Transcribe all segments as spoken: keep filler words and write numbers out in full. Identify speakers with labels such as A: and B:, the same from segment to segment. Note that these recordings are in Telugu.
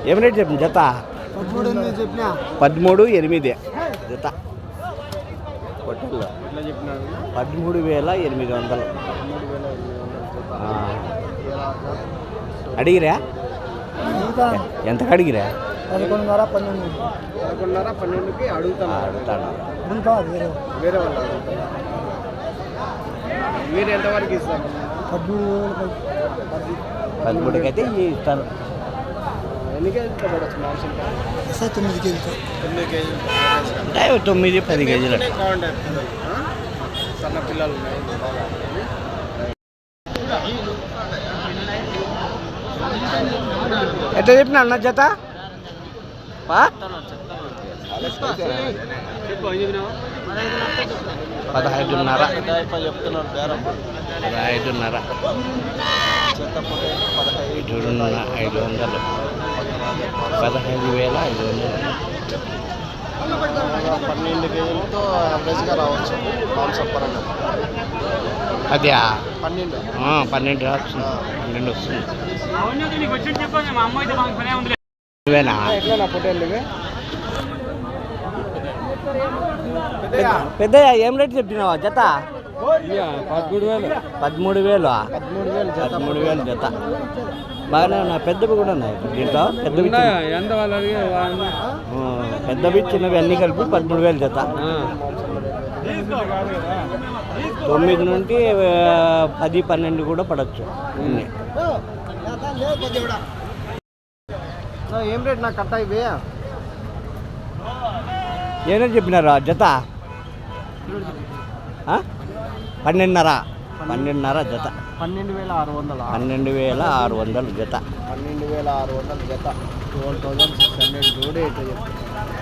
A: ఏం రేట్ చెప్పింది జత? పదమూడు ఎనిమిది జత పొట్టల్లో పదమూడు వేల ఎనిమిది వందలు అడిగిరా? ఎంతకు అడిగిరా?
B: పదకొండున్నర పన్నెండు పదకొండున్నర పన్నెండుకి అడుగుతాను
A: అడుగుతాను
B: వేరే వాళ్ళు మీరు ఎంతవరకు ఇస్తారు? పదమూడు
A: పదమూడుకి అయితే ఇస్తాను.
B: ఎన్ని కేజీలు పడవచ్చు మాంసం? తొమ్మిది కేజీలు తొమ్మిది కేజీలు
A: అంటే తొమ్మిది పది కేజీలు
B: సన్న పిల్లలు ఉన్నాయి.
A: ఎట్లా చెప్పిన అన్న జత? పదహైదున్నర
B: చెప్తున్నారు.
A: పదహైదున్నర పదహైదున్నర ఐదు వందలు పదహైదు వేల ఐదు వందలు
B: పన్నెండు కేజీలతో యావరేజ్గా రావచ్చు మాంసం పరంగా.
A: అదే
B: పన్నెండు
A: పన్నెండు వస్తుంది పన్నెండు వస్తుంది. ఇవేనా
B: ఎట్లా పొట్టేళ్ళు ఇవి?
A: పెద్ద ఏం రేట్ చెప్పినావా జత?
B: పదమూడు వేలు
A: పదమూడు వేలు
B: పదమూడు వేలు
A: పదమూడు వేలు జత బాగానే ఉన్నాయి. పెద్దవి కూడా ఉన్నాయి దీంట్లో. పెద్దవి
B: ఎంత వాళ్ళు
A: పెద్దవి చిన్నవి అన్నీ కలిపి పదమూడు వేలు జత. తొమ్మిది నుండి పది పన్నెండు కూడా పడవచ్చు.
B: ఏం రేట్ నాకు కట్ట ఇవి?
A: ఏమో చెప్పినారా జత? పన్నెండున్నర పన్నెండున్నర జత.
B: పన్నెండు వేల ఆరు వందలు
A: పన్నెండు వేల ఆరు వందలు జత.
B: పన్నెండు వేల ఆరు వందలు జత. ట్వెల్వ్ థౌసండ్ సిక్స్ హండ్రెడ్ జోడే అయితే చెప్తాను.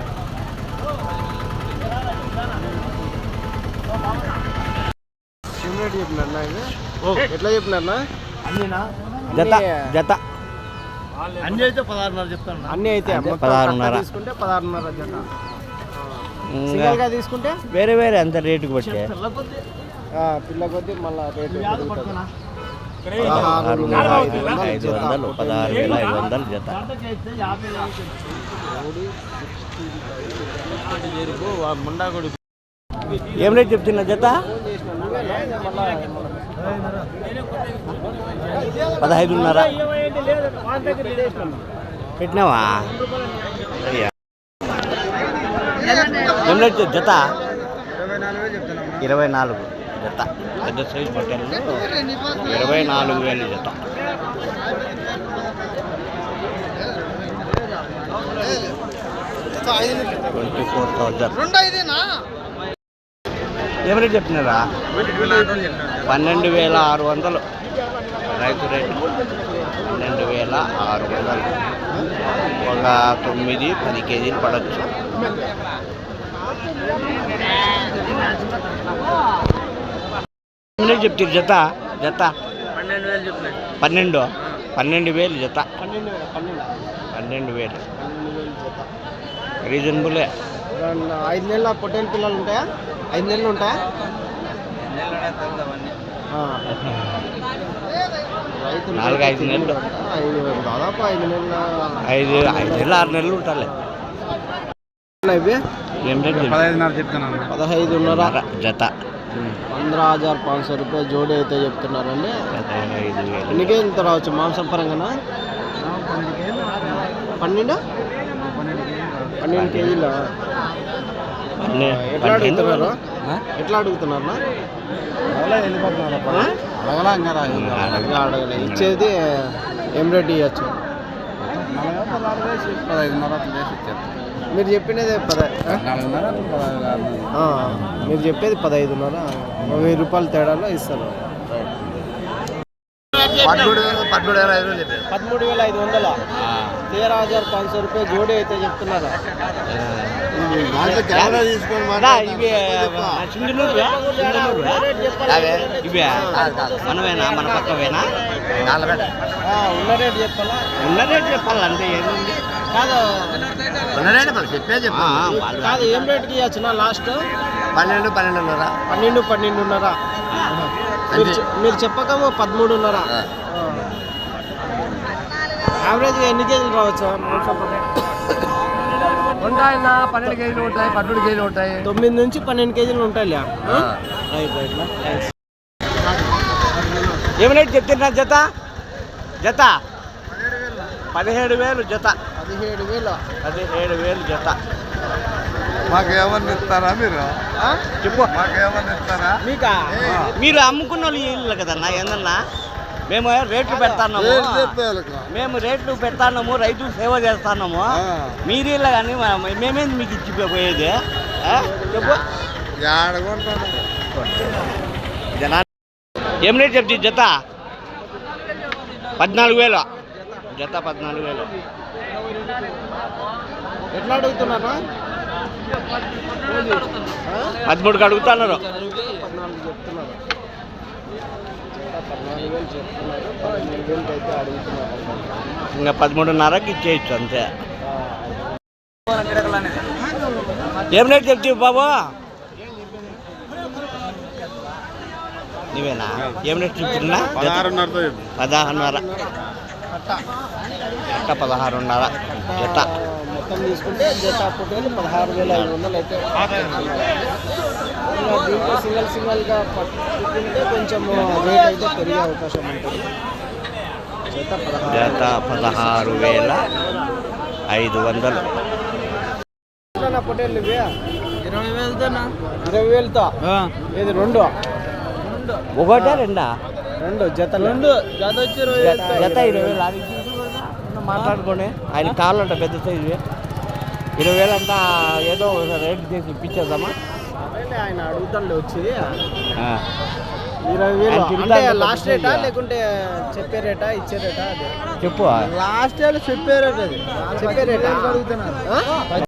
B: ఏం రేట్ చెప్పినారన్నా ఇది? ఎట్లా చెప్పినారన్నా? అన్నీనా
A: జత జత
B: అన్నీ అయితే పదహారున్నర చెప్తాను. అన్నీ అయితే
A: పదహారున్నర
B: తీసుకుంటే పదహారున్నర జత. సింగిల్గా తీసుకుంటే
A: వేరే వేరే అంత రేటుకి బట్టి
B: పిల్ల కొద్దీ మళ్ళీ రేటు
A: ఐదు వందలు పదహారు వేల ఐదు వందలు జత. ఏం రేట్ చెప్తున్నా జత? పదహైదున్నర పెట్టినావా? ఏం రేట్ జత? ఇరవై నాలుగు జత. పెద్ద సైజు బట్టలు ఇరవై నాలుగు వేలు జత. Twenty four thousand. ఏం రేట్ చెప్తున్నారా? పన్నెండు వేల ఆరు వందలు రైతు రేటు. పన్నెండు వేల ఆరు వందలు ఒక తొమ్మిది పది కేజీలు పడవచ్చు. చెప్తారు జత? జత
B: పన్నెండు వేలు చెప్పినాయి.
A: పన్నెండు పన్నెండు వేలు జత.
B: పన్నెండు పన్నెండు
A: పన్నెండు వేలు రీజనబులే.
B: ఐదు నెలల పొట్టేలు పిల్లలు ఉంటాయా? ఐదు నెలలు ఉంటాయా?
A: నాలుగు ఐదు నెలలు
B: ఐదు దాదాపు ఐదు నెలల
A: ఐదు ఐదు నెలలు ఆరు నెలలు ఉంటాయి.
B: ఇవి
A: పదహైదున్నర చెప్తున్నాను.
B: పదహైదున్నర
A: జత.
B: పంద్రह हजार पाँच सौ రూపాయలు జోడి అయితే చెప్తున్నారండి.
A: పదహైదు వేలు.
B: ఎన్ని కేజీలతో రావచ్చు మాంసం పరంగా? పన్నెండు పన్నెండు కేజీలు. ఎట్లా అడుగుతున్నారు? ఎట్లా అడుగుతున్నారు? అడగలే. ఇచ్చేది ఏం రేట్ ఇవ్వచ్చు?
A: పదహైదున్నర
B: మీరు చెప్పినది పద మీరు చెప్పేది పదహైదున్నర వెయ్యి రూపాయల తేడాలో ఇస్తారు. పదమూడు వేల ఐదు వందల तेरह हजार पाँच सौ रुपये जोड़ी అయితే చెప్తున్నారు.
A: మనమేనా మన పక్కవేనా?
B: ఉన్న రేట్ చెప్పాలా?
A: ఉన్న రేట్ చెప్పాలి అంటే ఏముంది?
B: కాదు
A: ఉన్న రేట్ మనం చెప్పే చెప్పా.
B: కాదు ఏం రేట్కి ఇవ్వచ్చు? లాస్ట్
A: పన్నెండు పన్నెండున్నర
B: పన్నెండు పన్నెండున్నర మీరు చెప్పక పదమూడున్నర యావరేజ్గా ఎన్ని కేజీలు రావచ్చు
C: ఉంటాయన్నా పన్నెండు కేజీలు ఉంటాయి పన్నెండు కేజీలు ఉంటాయి
B: తొమ్మిది నుంచి పన్నెండు కేజీలు ఉంటాయి
A: ఏమి రేట్ చెప్తున్నా జత జత పదిహేడు వేలు జత
B: పదిహేడు వేలు
A: పదిహేడు వేలు జత.
C: మాకేమన్నా ఇస్తారా మీరు
A: చెప్పు
C: మాకేమన్నా ఇస్తారా
B: మీకా
A: మీరు అమ్ముకున్న వాళ్ళు ఇల్లు కదన్నా ఏందన్నా మేము రేట్లు పెడతాన్నాము మేము రేట్లు పెడతాన్నాము రైతులు సేవ చేస్తున్నాము మీరు ఇలా కానీ మేమేంది మీకు ఇచ్చిపోయేది ఆ? చెప్పు జనా ఏం రేట్ చెప్తే జత పద్నాలుగు వేలు జత పద్నాలుగు వేలు.
B: ఎట్లా అడుగుతున్నారా
A: పదమూడుకి అడుగుతున్నారు.
B: పద్నాలుగు చెప్తున్నారు పద్నాలుగు వేలు చెప్తున్నారు పదిహేను వేలకి అయితే అడుగుతున్నారు.
A: ఇంకా పదమూడున్నరకి ఇచ్చేయచ్చు అంతే. ఏం రేట్ చెప్తావు బాబు నీవేనా ఏం రేట్ చెప్తున్నా
C: పదహారున్నరతో
A: పదహారున్నర జత పదహారున్నర జత.
B: మొత్తం తీసుకుంటే జత పొట్టేలు పదహారు వేల ఐదు వందలు అయితే ఇంకా దీంట్లో సింగల్ సింగల్గా పట్టుకుంటే కొంచెం రేట్ అయితే పెరిగే అవకాశం ఉంటుంది. జత పదహారు
A: జత పదహారు వేల ఐదు వందలు.
B: పొట్టేలు ఇవి
C: ఇరవై వేలతో
B: ఇరవై వేలతో ఇది రెండు
A: ఒకటే రెండా
B: రెండు జత రెండు జత వచ్చి ఇరవై
A: జత జత ఇరవై వేలు అది మాట్లాడుకోండి. ఆయన కావాలంట పెద్ద సైజు ఇరవై వేలు అంతా ఏదో రేట్ చేసి ఇప్పించేద్దామా.
B: ఆయన అడుగుతాడు వచ్చి
A: ఆ.
B: ఇరవై వేలు
A: ఆయన తిరుగుతా
B: అంటే
A: ఉంటాడు
B: లాస్ట్ రేటా
A: కొద్దిగా.
B: లేకుంటే చెప్పే రేటా ఇచ్చే రేటా అది
A: చెప్పు
B: లాస్ట్ ఏళ్ళు చెప్పే రేట్ అది చెప్పే రేటా అడుగుతున్నారు.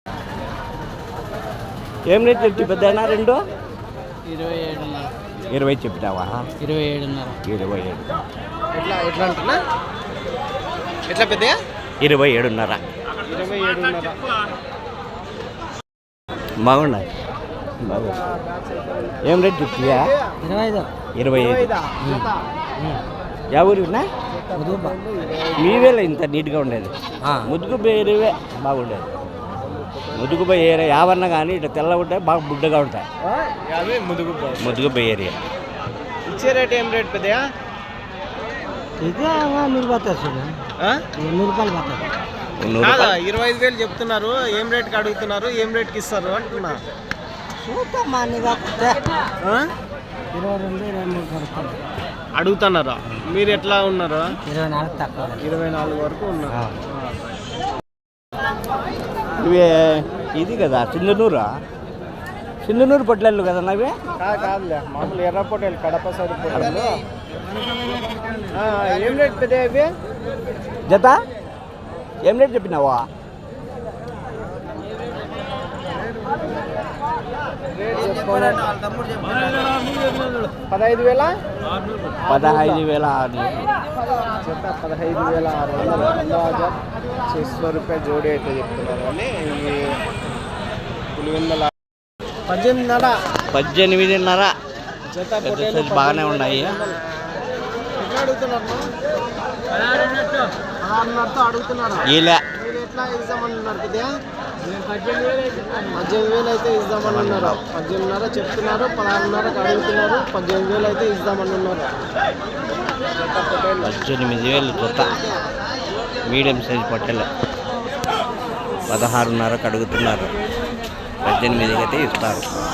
A: ఏం రేట్ చెప్తే పెద్ద రెండు
B: ఇరవై ఏడున్నర
A: ఇరవై చెప్పినావా
B: ఇరవై ఏడున్నర
A: ఇరవై ఏడు
B: ఎట్లా ఎట్లా అంటున్నా ఎట్లా పెద్ద
A: ఇరవై ఏడున్నర
B: ఇరవై ఏడున్నర
A: బాగున్నాయి బాగున్నాయి. ఏం రేట్ చెప్తియా
B: ఇరవై ఐదు
A: ఇరవై ఐదు యా ఊరినా మీవేలే ఇంత నీట్గా ఉండేది ముదుగు బేరివే బాగుండేది. ముదుగు పోయి ఏరియా యావన్నా కానీ ఇట్లా తెల్లగా ఉంటాయి బాగా బుడ్డగా ఉంటాయి.
B: యాభై ముదుగు
A: ముదుగు పోయి ఏరియా
B: ఇచ్చే రేట్ ఏం రేట్ పెద్దయా
A: ఇదే నూరు పోతారు నూరు రూపాయలు పోతారు నూరు
B: కాదా
A: రూపాయలు
B: ఇరవై ఐదు వేలు చెప్తున్నారు ఏం రేట్కి అడుగుతున్నారు ఏం రేట్కి ఇస్తారు అంటున్నా ఆ?
A: ఇరవై రెండు ఇరవై మూడు
B: అడుగుతున్నారా మీరు ఎట్లా ఉన్నారు
A: ఇరవై నాలుగు తక్కువ
B: ఇరవై నాలుగు వరకు ఉన్నారు
A: ఇవే ఇది కదా సింధనూరా సింధనూరు పొట్లెళ్ళు కదా నవే
B: కాదు కాదులే మామూలు ఎర్ర పొట్టేలు కడప సైడ్ పొట్టేలు ఆ, ఏం రేట్ పెద్ద ఇవి
A: జత ఏం రేట్ చెప్పినావా
B: పదహైదు వేల
A: పదహైదు వేల ఆరు
B: చెత్త పదహైదు వేల ఆరు వందలు అందాజా छः రూపాయ జోడి అయితే చెప్తున్నారు కానీ ఇవి పులివెందల పద్దెనిమిదిన్నర
A: పద్దెనిమిదిన్నర
B: జత
A: పెద్ద
B: పొట్టేలు
A: సైజు బాగానే ఉన్నాయి.
B: ఎట్లా అడుగుతున్నారు పదహారున్నరతో అడుగుతున్నారు
A: ఇలా
B: మీరు ఎట్లా ఇద్దామన్నారు కదా పద్దెనిమిది వేలు అయితే ఇద్దామని ఉన్నారు పద్దెనిమిదిన్నర చెప్తున్నారు పదహారున్నరకు అడుగుతున్నారు పద్దెనిమిది వేలు అయితే ఇద్దామని ఉన్నారు
A: పద్దెనిమిది వేలు జత మీడియం సైజ్ పొట్టెలు పదహారున్నరకు అడుగుతున్నారు పద్దెనిమిదికి అయితే ఇస్తారు.